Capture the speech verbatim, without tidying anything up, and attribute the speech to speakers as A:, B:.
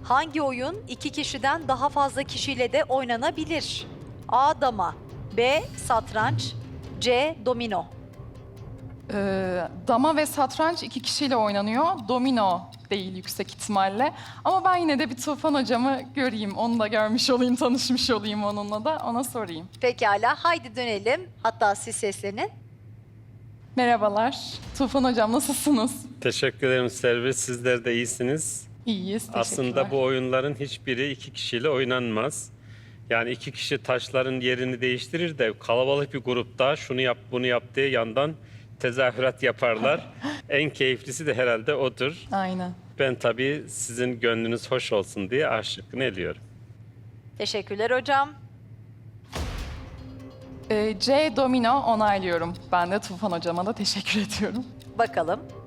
A: Hangi oyun iki kişiden daha fazla kişiyle de oynanabilir? A. Dama, B. Satranç, C. Domino.
B: Ee, dama ve satranç iki kişiyle oynanıyor. Domino değil yüksek ihtimalle. Ama ben yine de bir Tufan hocamı göreyim. Onu da görmüş olayım, tanışmış olayım onunla da. Ona sorayım.
A: Pekala, haydi dönelim. Hatta siz seslenin.
B: Merhabalar. Tufan hocam nasılsınız?
C: Teşekkür ederim Servis. Sizler de iyisiniz.
B: İyiyiz, teşekkürler.
C: Aslında bu oyunların hiçbiri iki kişiyle oynanmaz. Yani iki kişi taşların yerini değiştirir de kalabalık bir grupta şunu yap bunu yap diye yandan tezahürat yaparlar. En keyiflisi de herhalde odur.
B: Aynen.
C: Ben tabii sizin gönlünüz hoş olsun diye A şıkkını eliyorum.
A: Teşekkürler hocam.
B: Ee, C domino onaylıyorum. Ben de Tufan hocama da teşekkür ediyorum.
A: Bakalım.